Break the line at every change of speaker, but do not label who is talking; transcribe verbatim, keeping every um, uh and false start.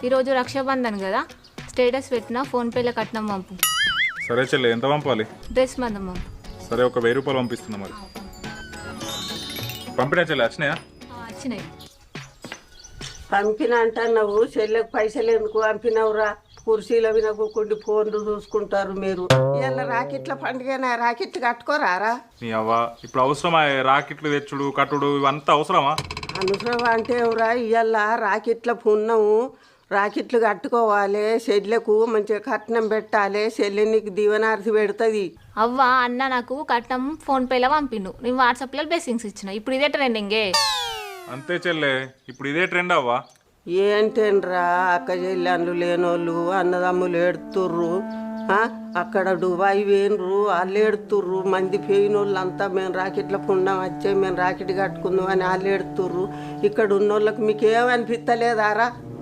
ఈరోజు రక్షాబంధన్ కదా, స్టేటస్ పెట్టిన ఫోన్పేలో కట్నం పంపు.
సరే చెల్లె, ఎంత పంపాలి?
డ్రెస్ మందం పంపు.
సరే, ఒక వెయ్యి రూపాయలు పంపిస్తున్నా. మరి పంపినా చెల్లె? వచ్చినాయా?
వచ్చినాయి.
పంపిన అంటున్నావు, చెల్లెకు పైసలు ఎందుకు పంపినవురా? కుర్చీలో వినకుండా ఫోన్లు చూసుకుంటారు మీరు. ఇలా రాకెట్ల పండుగ, రాకెట్లు కట్టుకోరారా?
నీ అవ్వ, ఇప్పుడు అవసరమా రాకెట్లు తెచ్చుడు కట్టుడు ఇవంతా అవసరమా?
అనవసరం అంటే ఎవరా? ఇవాళ రాకెట్ల పున్నము, రాకెట్లు కట్టుకోవాలి, చెల్లెకు మంచిగా కట్నం పెట్టాలి, చెల్లె నీకు దీవనార్తి పెడుతుంది.
అవ్వ అన్న నాకు కట్నం ఫోన్పేలో పంపిండు, నేను వాట్సాప్లో బ్లెస్సింగ్స్ ఇచ్చిన. ఇప్పుడు ఇదే ట్రెండింగే.
అంతే చెల్లె, ఇప్పుడు ఇదే ట్రెండ్ అవ్వా.
ఏంటేనరా అక్క చెల్లెళ్ళు లేనోళ్ళు అన్నదమ్ములు ఏడుతుర్రు. అక్కడ దుబాయ్ వేయనరు, వాళ్ళు ఏడుతుర్రు. మంది పోయినోళ్ళు అంతా మేము రాకెట్ల పుణ్యం వచ్చే మేము రాకెట్ కట్టుకుందాం అని వాళ్ళు ఏడుతుర్రు. ఇక్కడ ఉన్నోళ్ళకి మీకు ఏమనిపిస్తలేదారా?